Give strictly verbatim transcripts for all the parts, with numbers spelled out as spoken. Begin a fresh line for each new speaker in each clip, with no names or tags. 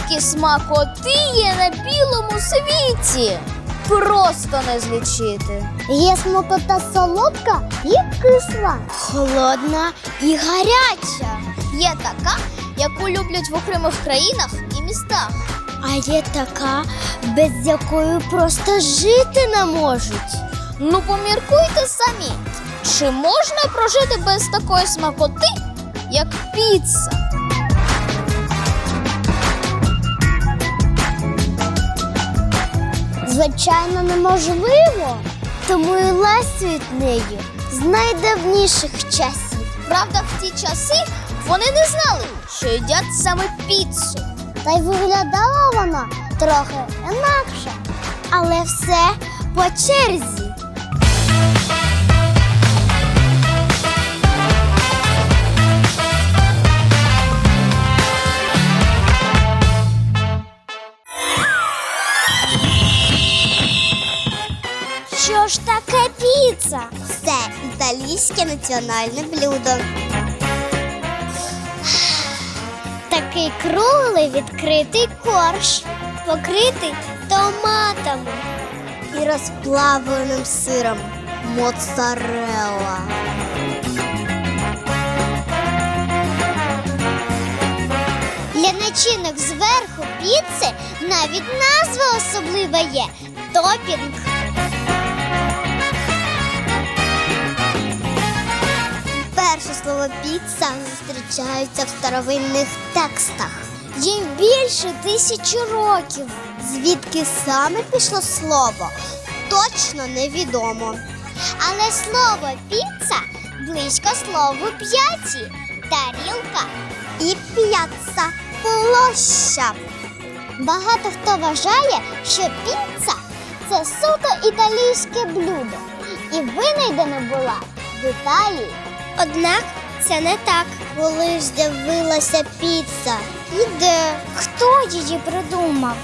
скільки смакоти є на білому світі! Просто не злічити.
Є смакота солодка і кисла, холодна і гаряча.
Є така, яку люблять в окремих країнах і містах.
А є така, без якої просто жити не можуть.
Ну поміркуйте самі, чи можна прожити без такої смакоти, як піца?
Звичайно, неможливо. Тому і лась від неї з найдавніших часів.
Правда, в ті часи вони не знали, що їдять саме піцу.
Та й виглядала вона трохи інакше. Але все по черзі. Що ж таке піца? Це італійське національне блюдо. Такий круглий відкритий корж, покритий томатами і розплавленим сиром моцарелла. Для начинок зверху піци навіть назва особлива є – топінг. Перше слово «піца» зустрічається в старовинних текстах. Їм більше тисячі років. Звідки саме пішло слово, точно невідомо. Але слово «піца» близько слову «п'яті» – тарілка і «п'яцца» – площа. Багато хто вважає, що піца – це суто італійське блюдо і винайдена була в Італії. Однак це не так. Коли ж з'явилася піца? І де? Хто її придумав?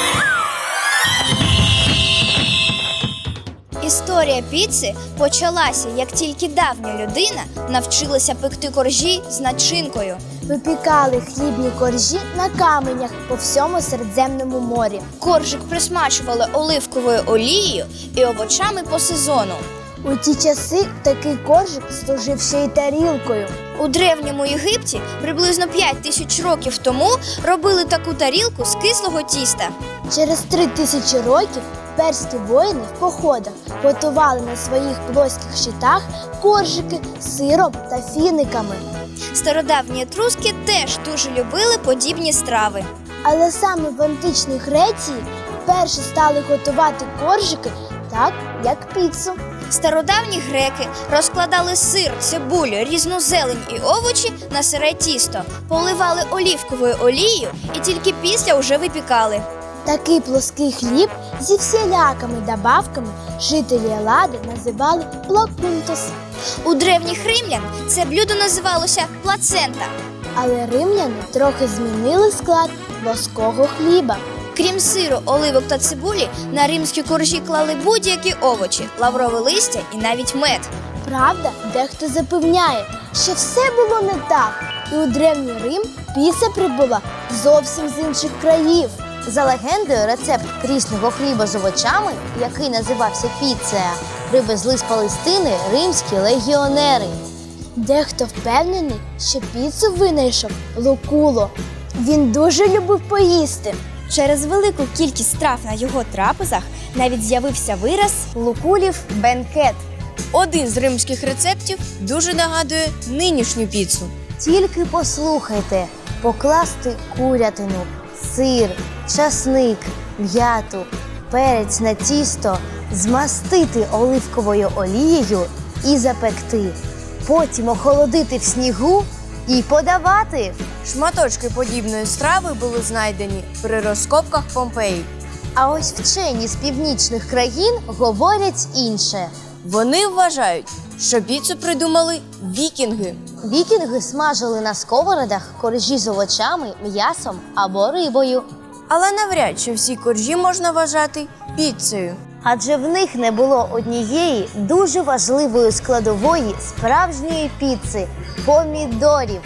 Історія піци почалася, як тільки давня людина навчилася пекти коржі з начинкою.
Випікали хлібні коржі на каменях по всьому Середземному морі.
Коржик присмачували оливковою олією і овочами по сезону.
У ті часи такий коржик служив ще й тарілкою.
У Древньому Єгипті приблизно п'ять тисяч років тому робили таку тарілку з кислого тіста.
Через три тисячі років перські воїни в походах готували на своїх плоских щитах коржики з сиром та фіниками.
Стародавні етруски теж дуже любили подібні страви.
Але саме в античній Греції вперше стали готувати коржики так, як піцу.
Стародавні греки розкладали сир, цибулю, різну зелень і овочі на сире тісто, поливали оливковою олією і тільки після вже випікали.
Такий плоский хліб зі всілякими добавками жителі Елади називали плокунтус.
У древніх римлян це блюдо називалося плацента.
Але римляни трохи змінили склад плоского хліба.
Крім сиру, оливок та цибулі, на римські коржі клали будь-які овочі, лаврове листя і навіть мед.
Правда, дехто запевняє, що все було не так, і у Древній Рим піца прибула зовсім з інших країв.
За легендою, рецепт прісного хліба з овочами, який називався піцеа, привезли з Палестини римські легіонери.
Дехто впевнений, що піцу винайшов Лукуло. Він дуже любив поїсти.
Через велику кількість страв на його трапезах навіть з'явився вираз «лукулів бенкет».
Один з римських рецептів дуже нагадує нинішню піцу.
Тільки послухайте, покласти курятину, сир, часник, м'яту, перець на тісто, змастити оливковою олією і запекти. Потім охолодити в снігу і подавати.
Шматочки подібної страви були знайдені при розкопках Помпеї.
А ось вчені з північних країн говорять інше.
Вони вважають, що піцу придумали вікінги.
Вікінги смажили на сковородах коржі з овочами, м'ясом або рибою.
Але навряд чи всі коржі можна вважати піцею.
Адже в них не було однієї дуже важливої складової справжньої піци – помідорів.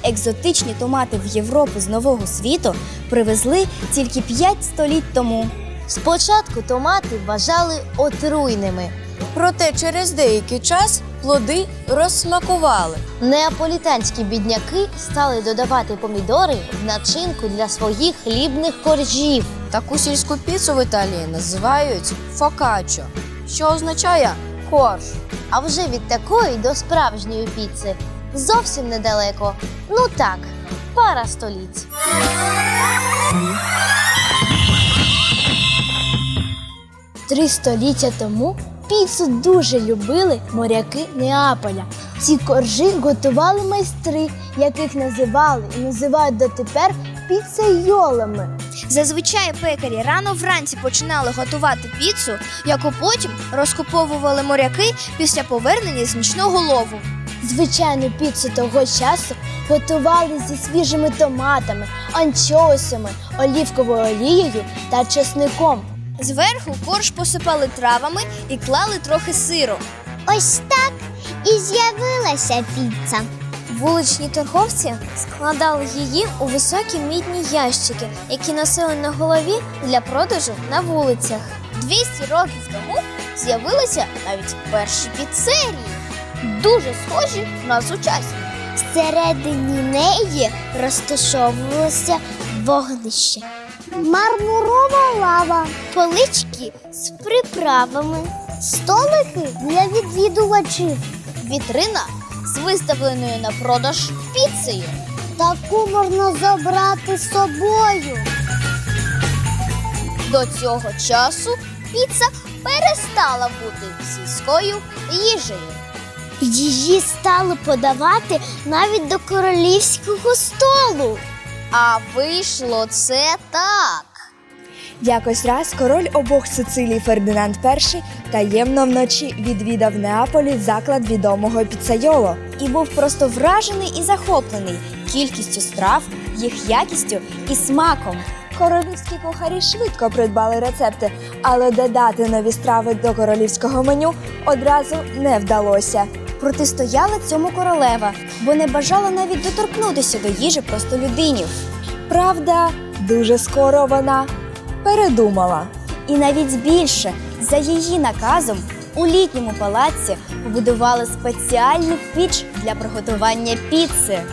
екзотичні томати в Європу з Нового світу привезли тільки п'ять століть тому.
Спочатку томати вважали отруйними.
Проте через деякий час плоди розсмакували.
Неаполітанські бідняки стали додавати помідори в начинку для своїх хлібних коржів.
Таку сільську піцу в Італії називають фокаччо, що означає корж.
А вже від такої до справжньої піци зовсім недалеко. Ну так, пара століть.
Три століття тому піцу дуже любили моряки Неаполя. Ці коржі готували майстри, яких називали і називають дотепер піцейолами.
Зазвичай пекарі рано вранці починали готувати піцу, яку потім розкуповували моряки після повернення з нічного лову.
Звичайну піцу того часу готували зі свіжими томатами, анчоусами, олівковою олією та чесником.
Зверху корж посипали травами і клали трохи сиру.
Ось так і з'явилася піца.
Вуличні торговці складали її у високі мідні ящики, які носили на голові для продажу на вулицях. двісті років тому з'явилися навіть перші піцерії, дуже схожі на сучасні.
Всередині неї розташовувалося вогнище. Мармурова лава, полички з приправами, столики для відвідувачів.
Вітрина з виставленою на продаж піцею.
Таку можна забрати з собою.
До цього часу піца перестала бути сільською їжею.
Її стали подавати навіть до королівського столу.
А вийшло це так.
Якось раз король обох Сицилій Фердинанд І таємно вночі відвідав в Неаполі заклад відомого піцайоло.
І був просто вражений і захоплений кількістю страв, їх якістю і смаком.
Королівські кухарі швидко придбали рецепти, але додати нові страви до королівського меню одразу не вдалося.
Протистояла цьому королева, бо не бажала навіть доторкнутися до їжі простолюдинів.
Правда, дуже скоро вона передумала.
І навіть більше, за її наказом, у літньому палаці побудували спеціальну піч для приготування піци.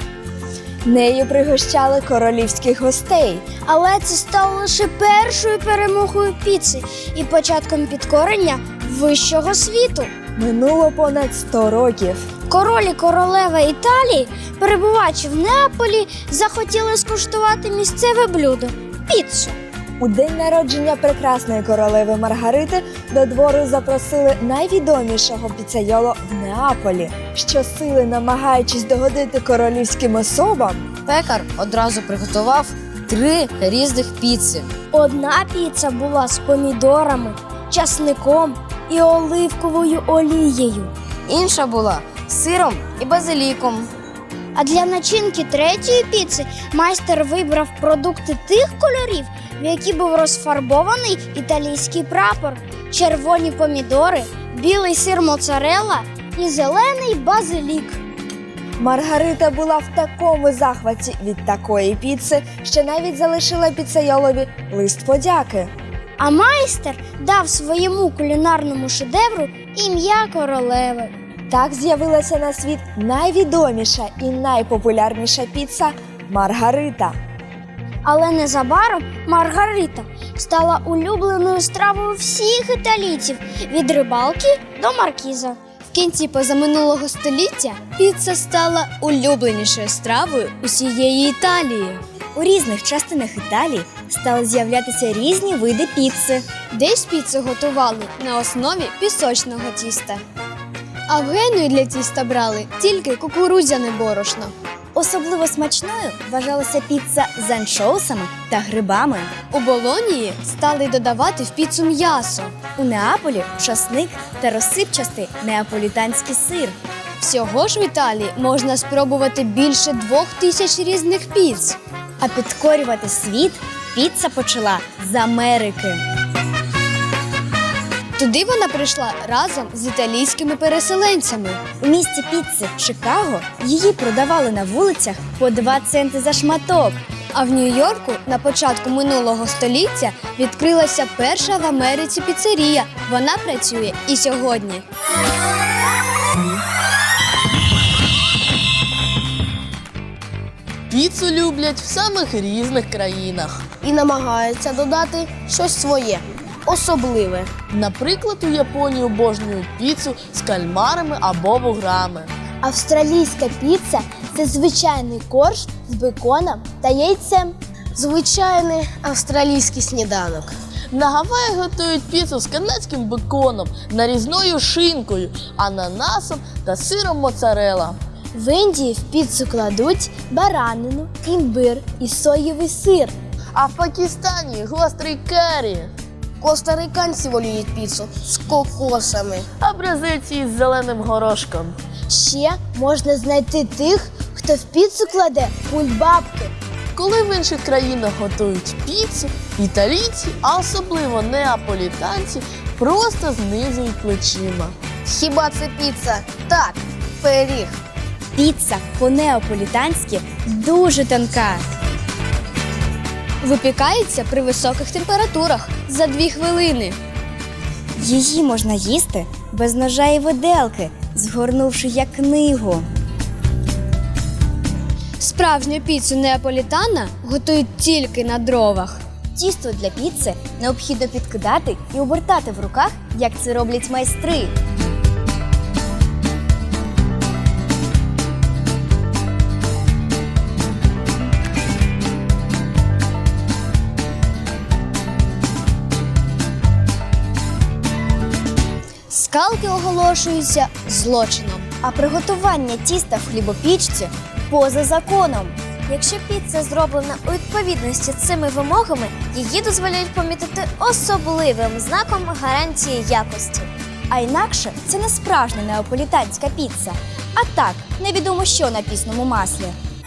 Нею пригощали королівських гостей.
Але це стало лише першою перемогою піци і початком підкорення вищого світу.
Минуло понад сто років.
Король і королева Італії, перебуваючи в Неаполі, захотіли скуштувати місцеве блюдо – піцу.
У день народження прекрасної королеви Маргарити до двору запросили найвідомішого піцайоло в Неаполі. Щосили, намагаючись догодити королівським особам,
Пекар одразу приготував три різних піци.
Одна піца була з помідорами, часником і оливковою олією.
Інша була з сиром і базиліком.
А для начинки третьої піци майстер вибрав продукти тих кольорів, в які був розфарбований італійський прапор, червоні помідори, білий сир моцарелла і зелений базилік.
Маргарита була в такому захваті від такої піци, що навіть залишила піцайолові лист подяки.
А майстер дав своєму кулінарному шедевру ім'я королеви.
Так з'явилася на світ найвідоміша і найпопулярніша піца Маргарита.
Але незабаром Маргарита стала улюбленою стравою всіх італійців від рибалки до маркіза.
В кінці позаминулого століття піца стала улюбленішою стравою усієї Італії. У різних частинах Італії стали з'являтися різні види піци. Десь піцу готували на основі пісочного тіста. А в Генуї для тіста брали тільки кукурудзяне борошно. Особливо смачною вважалася піца з анчоусами та грибами. У Болонії стали додавати в піцу м'ясо. У Неаполі – часник та розсипчастий неаполітанський сир. Всього ж в Італії можна спробувати більше двох тисяч різних піц. А підкорювати світ піца почала з Америки. Туди вона прийшла разом з італійськими переселенцями. У місті піци Чикаго її продавали на вулицях по два центи за шматок. А в Нью-Йорку на початку минулого століття відкрилася перша в Америці піцерія. Вона працює і сьогодні.
Піцу люблять в самих різних країнах.
І намагаються додати щось своє, особливе.
Наприклад, у Японії обожнюють піцу з кальмарами або вуграми.
Австралійська піца – це звичайний корж з беконом та яйцем. Звичайний австралійський сніданок.
На Гаваї готують піцу з канадським беконом, нарізною шинкою, ананасом та сиром моцарелла.
В Індії в піцу кладуть баранину, імбир і соєвий сир.
А в Пакистані гострий карі,
Костариканці воліють піцу з кокосами.
а бразильці із зеленим горошком.
Ще можна знайти тих, хто в піцу кладе кульбабки.
Коли в інших країнах готують піцу, італійці, а особливо неаполітанці, просто знизують плечима.
Хіба це піца? Так, пиріг.
Піца по-неаполітанськи дуже тонка. Випікається при високих температурах за дві хвилини. Її можна їсти без ножа і виделки, згорнувши як книгу. Справжню піцу неаполітана готують тільки на дровах. Тісто для піци необхідно підкидати і обертати в руках, як це роблять майстри. Скалки оголошуються злочином, а приготування тіста в хлібопічці – поза законом.
Якщо піца зроблена у відповідності з цими вимогами, її дозволяють помітити особливим знаком гарантії якості.
А інакше це не справжня неаполітанська піца, а так, невідомо що на пісному маслі.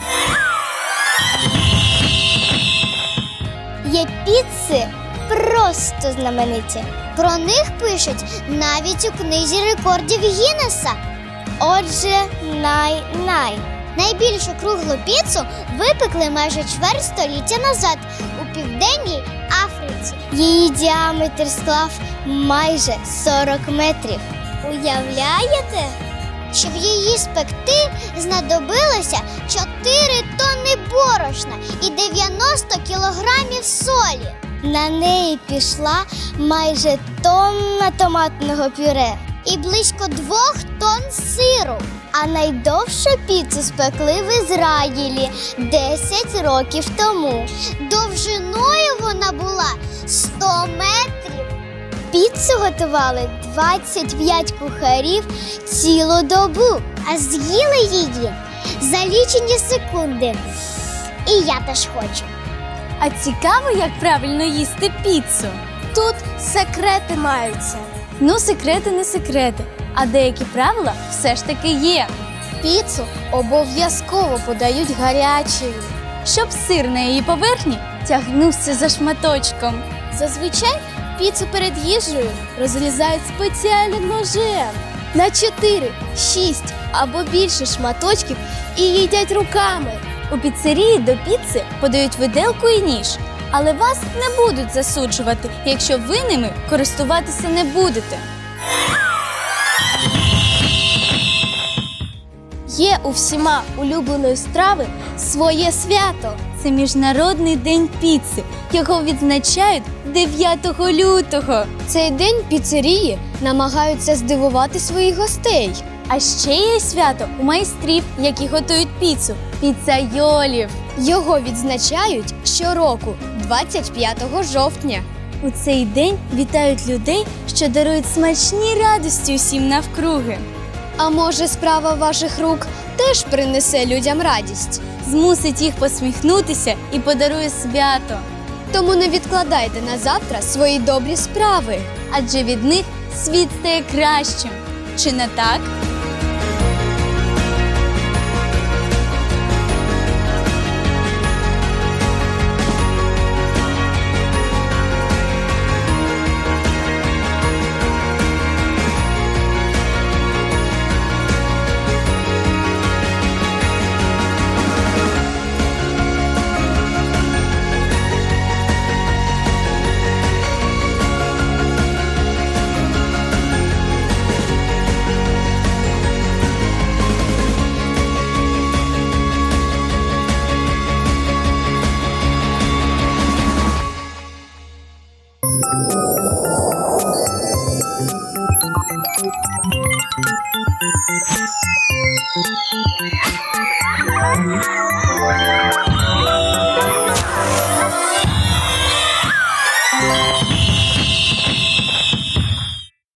Є піци просто знамениті. Про них пишуть навіть у книзі рекордів Гіннеса. Отже, най-най. Найбільшу круглу піцу випекли майже чверть століття назад у Південній Африці. Її діаметр склав майже сорок метрів. Уявляєте? Щоб її спекти, знадобилося чотири тонни борошна і дев'яносто кілограмів солі. На неї пішла майже тонна томатного пюре і близько двох тонн сиру. А найдовшу піцу спекли в Ізраїлі десять років тому. Довжиною вона була сто метрів. Піцу готували двадцять п'ять кухарів цілу добу, а з'їли її за лічені секунди. І я теж хочу.
А цікаво, як правильно їсти піцу?
Тут секрети маються.
Ну, секрети не секрети, а деякі правила все ж таки є.
Піцу обов'язково подають гарячою.
Щоб сир на її поверхні тягнувся за шматочком.
Зазвичай піцу перед їжею розрізають спеціальним ножем на чотири, шість або більше шматочків і їдять руками.
У піцерії до піци подають виделку і ніж, але вас не будуть засуджувати, якщо ви ними користуватися не будете.
Є у всіма улюбленої страви своє свято.
Це Міжнародний день піци. Його відзначають дев'ятого лютого.
Цей день піцерії намагаються здивувати своїх гостей.
А ще є свято у майстрів, які готують піцу – піцайолів.
Його відзначають щороку, двадцять п'ятого жовтня.
У цей день вітають людей, що дарують смачні радості усім навкруги.
А може, справа ваших рук теж принесе людям радість?
Змусить їх посміхнутися і подарує свято.
Тому не відкладайте на завтра свої добрі справи.
Адже від них світ стає кращим. Чи не так?